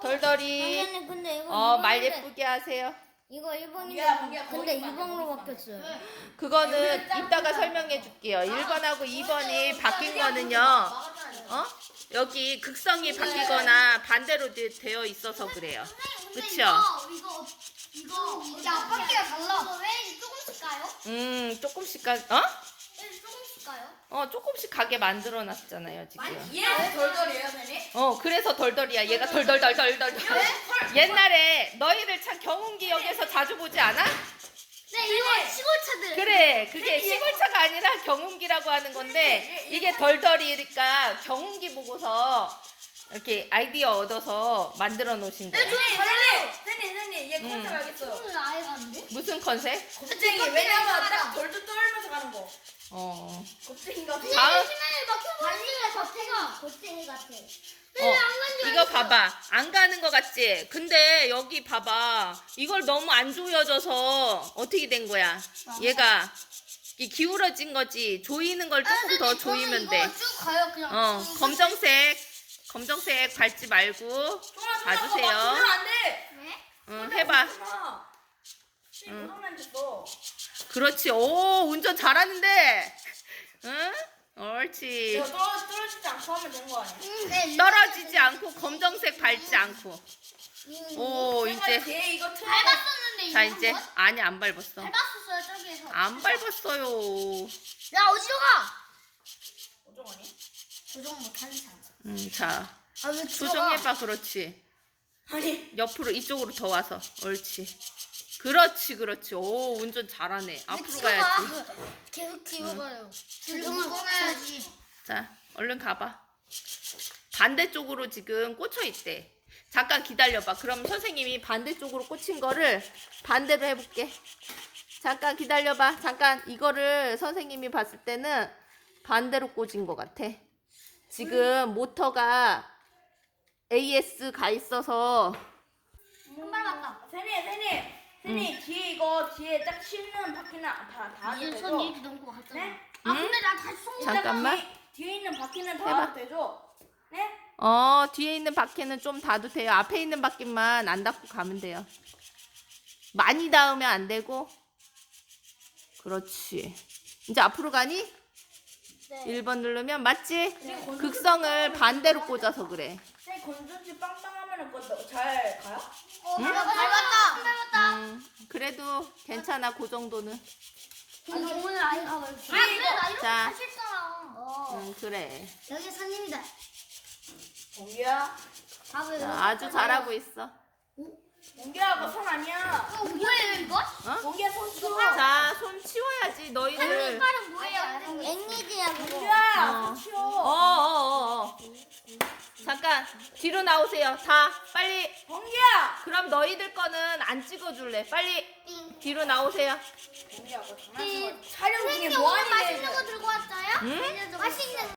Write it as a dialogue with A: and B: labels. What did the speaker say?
A: 돌돌이.
B: 선생님 근데 이거
A: 말 예쁘게 하세요.
B: 이거 1번인데
C: 야,
B: 근데
C: 머리
B: 2번으로 바뀌었어요.
A: 그거는 이따가 설명해 줄게요. 1번하고 2번이 바뀐 거는요. 여기 극성이 바뀌거나 반대로 되어 있어서 그래요. 그쵸?
B: 이거 앞바퀴가 달라. 왜 조금씩 가요?
A: 조금씩
B: 왜 조금씩 가요?
A: 조금씩 가게 만들어 놨잖아요, 지금.
C: 얘 돌돌이에요, 선생님?
A: 그래서 덜덜이야. 얘가 덜덜덜덜덜. 옛날에 너희들 참 경운기역에서 자주 보지 않아?
B: 네, 이거 시골차들.
A: 그래, 그게 시골차가 아니라 경운기라고 하는 건데 이게 덜덜이니까 경운기 보고서 이렇게 아이디어 얻어서 만들어 놓으신 거예요.
C: 선생님, 얘 컨셉 알겠어요.
B: 오늘 아예 가는데?
A: 무슨 컨셉?
C: 겁쟁이, 왜냐면 딱 돌돌 떨면서 가는 거. 겁쟁이가.
A: 다음.
B: 심해 막혀버리는 겉에가 겁쟁이 같아.
A: 이거 봐봐. 안 가는 거 같지? 근데 여기 봐봐. 이걸 너무 안 조여져서 어떻게 된 거야? 얘가 이 기울어진 거지. 조이는 걸 조금 더 조이면 돼.
B: 이거 쭉 가요 그냥.
A: 검정색 밟지 말고 봐주세요.
C: 안 돼.
B: 네?
A: 해봐.
C: 고장난 됐어.
A: 그렇지. 오, 운전 잘하는데. 응? 옳지.
C: 이거 떨어지지 않고 하면 되는 거 아니야?
B: 네,
A: 떨어지지 않고 검정색 밟지 않고. 오, 이제.
C: 걔 이거 틀어.
B: 밟았었는데
A: 자, 이제. 아니, 안 밟았어.
B: 밟았었어요 저기에서.
A: 안 밟았어요.
B: 야 어디로 가?
C: 어쩌거니?
B: 조정 못하는 사람.
A: 자.
B: 아왜
A: 조정해봐. 그렇지.
C: 아니.
A: 옆으로, 이쪽으로 더 와서. 옳지. 그렇지. 오, 운전 잘하네. 앞으로 가야지.
B: 계속 기어가요. 조정을 꺼내야지.
A: 자, 얼른 가봐. 반대쪽으로 지금 꽂혀 있대. 잠깐 기다려봐. 그럼 선생님이 반대쪽으로 꽂힌 거를 반대로 해볼게. 잠깐 기다려봐. 잠깐 이거를 선생님이 봤을 때는 반대로 꽂은 것 같아. 지금 모터가 AS 가 있어서
B: 한 발 맞다.
C: 선생님, 뒤에 이거 뒤에 딱 씹는 바퀴는 다
B: 손
C: 되죠?
B: 이렇게 넘고 갔잖아.
C: 네?
B: 근데 나 다시 손
A: 잠깐만.
C: 뒤에 있는 바퀴는
A: 해봐.
C: 다 되죠? 네?
A: 뒤에 있는 바퀴는 좀 닫도 돼요. 앞에 있는 바퀴만 안 닫고 가면 돼요. 많이 닿으면 안 되고. 그렇지. 이제 앞으로 가니?
B: 네.
A: 1번 누르면 맞지? 극성을 반대로 꽂아서 그래.
C: 선생님 건전지 빵빵하면은 그거 잘 가요?
B: 밟았다.
A: 그래도 괜찮아. 그 정도는.
B: 근데 오늘 아예 가봐요.
C: 그래, 이거.
B: 나 이렇게
A: 자.
B: 하실잖아.
A: 그래.
B: 여기 손님이다.
C: 공기야,
B: 밥을.
A: 자, 아주 잘하고 있어.
C: 공기야, 그거 손 아니야.
B: 뭐예요 이거?
C: 공기야, 손 치워.
A: 자, 손 치워야지. 너희들.
B: 색깔은 뭐예요? 앵니지야 그거.
C: 공기야, 손 치워.
A: 잠깐 뒤로 나오세요. 다 빨리.
C: 공기야.
A: 그럼 너희들 거는 안 찍어줄래. 빨리 뒤로 나오세요.
C: 공기야, 그거 장난치고 촬영 중에 뭐 하니?
B: 맛있는 거 들고 왔어요?
A: 응?
B: 맛있는